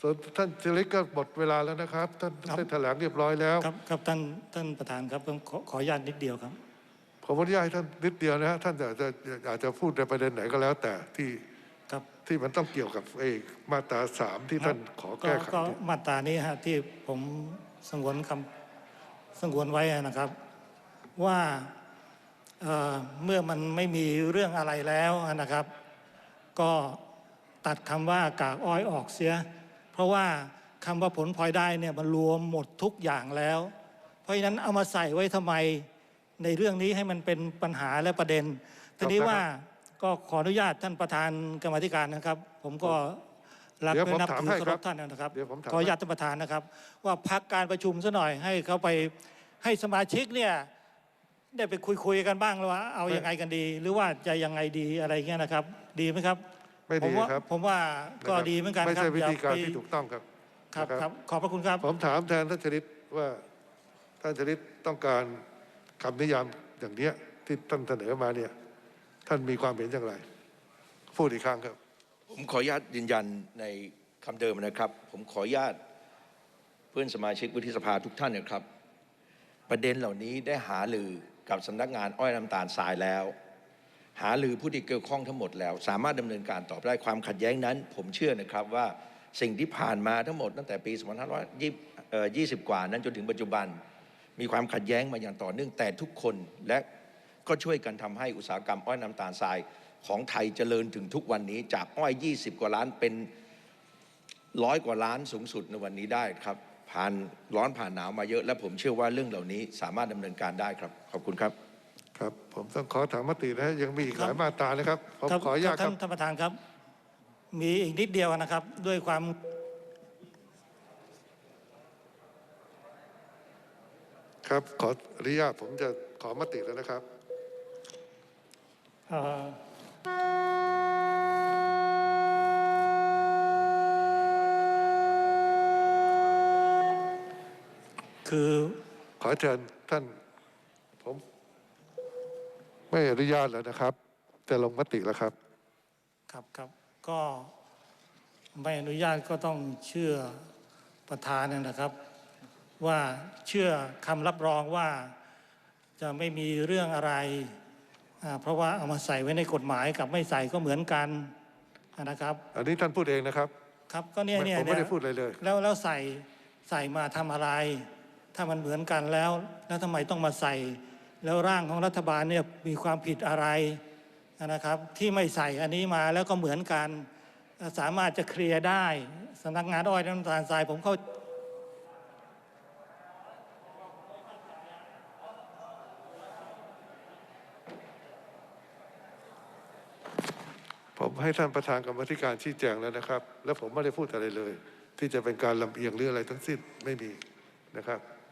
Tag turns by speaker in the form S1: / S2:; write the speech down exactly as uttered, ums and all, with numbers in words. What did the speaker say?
S1: ส่วนท่านชลิตก็หมดเวลาแล้วนะครับท่านได้แถลงเรียบร้อยแล้ว
S2: ครับครับท่านท่านประธานครับผมขอขออนุญาตนิดเดียวครับ
S1: ผมอนุญาตให้ท่านนิดเดียวนะฮะท่านอาจจะอาจจะพูดในประเด็นไหนก็แล้วแต่ที่
S2: ครับ
S1: ที่มันต้องเกี่ยวกับไอ้มาตราสามที่ท่านขอแก้ไข
S2: ก็มาตรานี้ฮะที่ผมสงวนคำสงวนไว้นะครับว่าเอ่อเมื่อมันไม่มีเรื่องอะไรแล้วนะครับ ก็ตัดคำว่ากากอ้อยออกเสียเพราะว่าคำว่าผลพลอยได้เนี่ยมันรวมหมดทุกอย่างแล้ว เพราะฉะนั้นเอามาใส่ไว้ทำไมในเรื่องนี้ให้มันเป็นปัญหาและประเด็นทีนี้ว่าก็ขออนุญาตท่านประธานกรรมาธิการนะครับ ผมก็รักและนับถือเคารพท่านนะครับขออนุญาตท่านประธานนะครับว่าพักการประชุมซะหน่อยให้เขาไปให้สมาชิกเนี่ยได้ไปคุยคุยกันบ้างแล้วว่าเอายังไงกันดี หรือว่าจะยังไงดีอะไรเงี้ยนะครับดีไหมครับ
S1: ไม่ดีครับ
S2: ผมว่าก็ดีเหมือนกันครับ
S1: ไม่ใช่วิธีการที่ถูกต้องครับ
S2: ครับครับขอบพระคุณครับ
S1: ผมถามแทนท่านชลิตว่าท่านชลิตต้องการคำนิยามอย่างเนี้ยที่ท่านเสนอมาเนี่ยท่านมีความเห็นอย่างไรพูดอีกครั้งครับ
S3: ผมขออนุญาตยืนยันในคำเดิมนะครับผมขออนุญาตเพื่อนสมาชิกวุฒิสภาทุกท่านนะครับประเด็นเหล่านี้ได้หารือกับสำนักงานอ้อยน้ำตาลทรายแล้วหารือผู้ที่เกี่ยวข้องทั้งหมดแล้วสามารถดำเนินการต่อได้ความขัดแย้งนั้นผมเชื่อนะครับว่าสิ่งที่ผ่านมาทั้งหมดตั้งแต่ปีสองพันห้าร้อยยี่สิบกว่านั้นจนถึงปัจจุบันมีความขัดแย้งมาอย่างต่อเนื่องแต่ทุกคนและก็ช่วยกันทำให้อุตสาหกรรมอ้อยน้ำตาลทรายของไทยเจริญถึงทุกวันนี้จากอ้อยยี่สิบกว่าล้านเป็นร้อยกว่าล้านสูงสุดในวันนี้ได้ครับผ่านร้อนผ่านหนาวมาเยอะและผมเชื่อว่าเรื่องเหล่านี้สามารถดำเนินการได้ครับขอบคุณครับ
S1: ครับผมต้องขอถามมตินะยังมีอีกหลายมาตรานะครับผมขออนุญาตครับ
S2: ท่านประธานครับมีอีกนิดเดียวนะครับด้วยความ
S1: ครับขออนุญาตผมจะขอมติแล้วนะครับ
S2: คือ
S1: ขอเชิญท่านผมไม่อนุญาตแล้วนะครับจะลงมติแล้วครับ
S2: ครับครับก็ไม่อนุญาตก็ต้องเชื่อประธานนะครับว่าเชื่อคำรับรองว่าจะไม่มีเรื่องอะไรเพราะว่าเอามาใส่ไว้ในกฎหมายกับไม่ใส่ก็เหมือนกันนะครับ
S1: อันนี้ท่านพูดเองนะครับ
S2: ครับก็เนี่ยเนี่ย
S1: ผมไม่ได้พูดอะไรเลย
S2: แล้วแล้วใส่ใส่มาทำอะไรถ้ามันเหมือนกันแล้วแล้วทำไมต้องมาใส่แล้วร่างของรัฐบาลเนี่ยมีความผิดอะไรนะครับที่ไม่ใส่อันนี้มาแล้วก็เหมือนกันสามารถจะเคลียร์ได้สำนักงานอ้อยน้ำตาลทรายผมเข้า
S1: ผมให้ท่านประธานกรรมธิการชี้แจงแล้วนะครับและผมไม่ได้พูดอะไรเลยที่จะเป็นการลำเอียงหรืออะไรทั้งสิ้นไม่มีนะครับ